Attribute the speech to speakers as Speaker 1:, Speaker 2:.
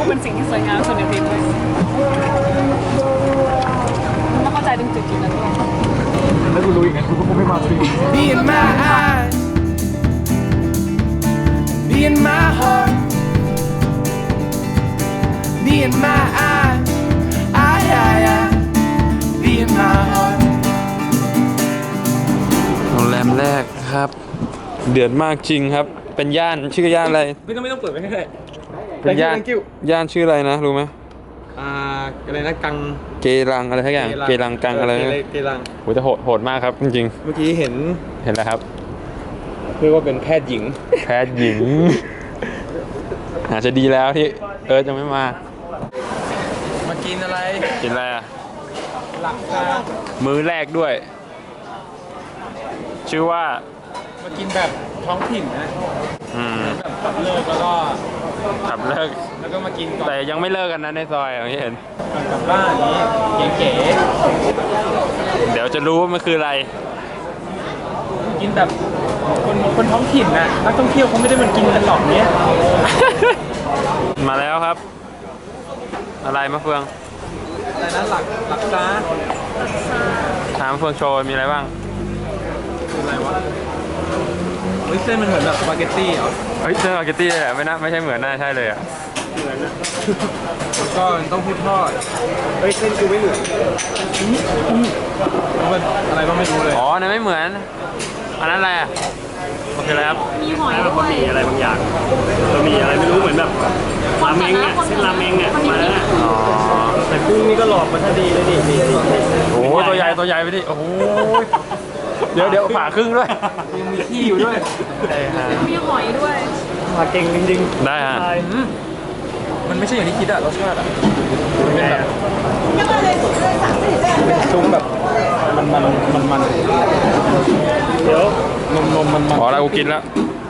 Speaker 1: เป็นสิ่งที่สวยงามสุดในเพลงเลยต้องเข้าใจถึงจุดนั้นด้วย
Speaker 2: แล้วกูรู้อีกไงกูก็คงไม่มาที
Speaker 3: Be in my eyes, be in my heart, be in my eyes, be in my heart.
Speaker 4: โรงแรมแรกครับ เดือดมากจริงครับ เป็นย่านชื่อย่านอะไร
Speaker 2: ไม่ต้องเปิดไว้ให้ได้
Speaker 4: เป็นย่านย่านชื่ออะไรนะรู้ไหม
Speaker 2: อะไรนะกัง
Speaker 4: เกรังอะไรทักอย่างเกรังกังอะไร
Speaker 2: เกรัง
Speaker 4: โหจะโหดมากครับจริง
Speaker 2: เมื่อกี้เห็น
Speaker 4: ๆเห็นแล้วครับ
Speaker 2: เรียกว่าเป็นแพทย์หญิง
Speaker 4: แพทย์หญิงอาจจะดีแล้วที่จะไม่มา
Speaker 2: มากินอะไร
Speaker 4: กินอะไรอ่ะ
Speaker 2: หลักตา
Speaker 4: มื้อแรกด้วย ชื่อว่า
Speaker 2: มากินแบบท้องถิ่นนะ แบบขับเลิกแล้วก็
Speaker 4: ขับเลิก
Speaker 2: แล้วก็มากินก่อน
Speaker 4: แต่ยังไม่เลิกกันนะในซอยอย่างที่เห็น
Speaker 2: ก่อนกลับบ้านอย่างนี้เก๋
Speaker 4: เดี๋ยวจะรู้ว่ามันคืออะไร
Speaker 2: ๆกินแบบคนท้องถิ่นนะนักท่องเที่ยวเขาไม่ได้มากินกันหรอกเนี้ย
Speaker 4: มาแล้วครับ อะไรมะเฟือง
Speaker 2: อะไรนะหลักตา
Speaker 4: ถามมะเฟืองโชว์มีอะไรบ้าง
Speaker 2: คืออะไรวะเฮ้ยเส้นมันเหมือนแบบสปาเกตตี้เหรอ
Speaker 4: เฮ้ยเจอสปาเกตตี้เลยอ่ะไม่ใช่เหมือนน่าใช่เลยอ่ะ
Speaker 2: แล้วก็เต้าหู้ทอดเฮ้ยเส้นกูไม่เหมือนมันอะไรก็ไม่รู้เลย
Speaker 4: อ๋อนั่นไม่เหมือน อันนั้นอะไรอ่ะโอเคแล้วครับ
Speaker 1: มีหอยด้วย
Speaker 5: มีอะไรบางอย่างเรามีอะไรไม่รู้เหมือนแบบราเมงอ่ะเส้นราเมงอ่ะมาแล้วน่ะ
Speaker 4: อ๋อ
Speaker 5: แต่กุ้งนี่ก็หลอกมาทันดีเลยนี่
Speaker 4: โอ้โหตัวใหญ่ไปดิโอ้โหเดี๋ยวผ่าครึ่งด้วย
Speaker 2: ยังมีขี้อยู่ด้วย
Speaker 4: ได้ฮะ
Speaker 1: มีหอยด้วย
Speaker 5: มาเก่งจริง
Speaker 4: ได้ฮะ
Speaker 2: มันไม่ใช่อย่างที่คิดอะรสชาติอะมันเป็นแบบเป็นซุ้มแบบมัน
Speaker 5: ๆเดี๋ยว
Speaker 2: นมมัน
Speaker 4: ขออะไรกูกินแล้ว